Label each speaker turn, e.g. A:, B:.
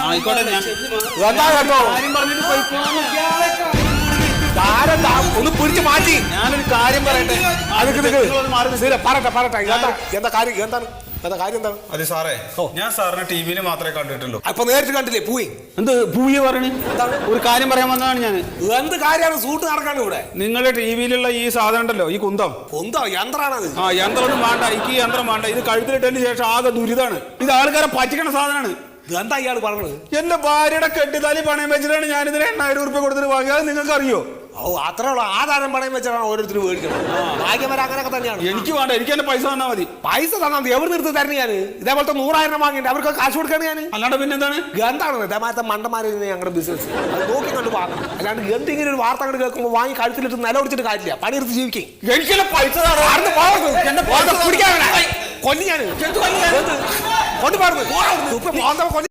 A: ആയിക്കോട്ടെ
B: എന്താ കേട്ടോ ഒന്ന് പിടിച്ച് മാറ്റി.
A: ഞാനൊരു കാര്യം പറയട്ടെ.
B: പറയട്ടെ എന്താ കാര്യം എന്താണ്?
C: അതെ സാറേ, ഞാൻ സാറിനെ ടിവിയിൽ മാത്രമേ കണ്ടിട്ടുള്ളൂ.
B: അപ്പൊ നേരിട്ട് കണ്ടില്ലേ? പോയി
A: എന്ത് പൂയ പറയണേ? ഒരു കാര്യം പറയാൻ വന്നതാണ് ഞാൻ.
B: എന്ത് കാര്യമാണ്? സൂട്ട് നടക്കാണ് ഇവിടെ.
A: നിങ്ങളുടെ ടിവിയിലുള്ള ഈ സാധനം ഉണ്ടല്ലോ, ഈ കുന്തം
B: യന്ത്രാണത്.
A: ആ യന്ത്രമൊന്നും വേണ്ട, എനിക്ക് ഈ യന്ത്രം വേണ്ട. ഇത് കഴുത്തിലിട്ടതിന് ശേഷം ആകെ ദുരിതാണ്. ഇത് ആൾക്കാരെ പറ്റിക്കണ സാധനമാണ്.
B: എന്താ ഇയാൾ പറഞ്ഞത്?
A: എന്റെ ഭാര്യയുടെ കെട്ടിത്താലി പണയം വെച്ചിട്ടാണ് ഞാനിതിന് 8,000 രൂപ കൊടുത്തിട്ട് വാങ്ങിയത്. നിങ്ങൾക്ക് അറിയോ?
B: അത്രേ ഉള്ളൂ. ആധാരം പണയം വെച്ചാണ് ഓരോരുത്തർ മേടിക്കണം. ഭാഗ്യവരെ അങ്ങനെയൊക്കെ തന്നെയാണ്.
A: എനിക്ക് വേണ്ട, എനിക്ക് എന്റെ പൈസ തന്നാൽ മതി.
B: പൈസ തന്നാൽ മതി. എവിടെ നിർത്തി തരുന്ന ഞാൻ? ഇതേപോലത്തെ 100,000 വാങ്ങിയിട്ട് അവർക്ക് കാശ് കൊടുക്കാണ് ഞാൻ.
A: അല്ലാണ്ട് പിന്നെ എന്താണ്?
B: എന്താണ് ഇതേമാരത്തെ മണ്ടന്മാര് ഞങ്ങളുടെ ബിസിനസ്? അത് നോക്കി കണ്ട് വാങ്ങണം. അല്ലാണ്ട് എന്തെങ്കിലും ഒരു വാർത്ത കണ്ട് കേൾക്കുമ്പോൾ വാങ്ങി കഴുത്തിലിട്ട് നില ഒടിച്ചിട്ട് കാര്യമില്ല. പണിയെടുത്ത് ജീവിക്കും.
A: എനിക്കെന്നെ പൈസ
B: കൊല്ലി ഞാൻ കൊണ്ടുപോകുന്നു.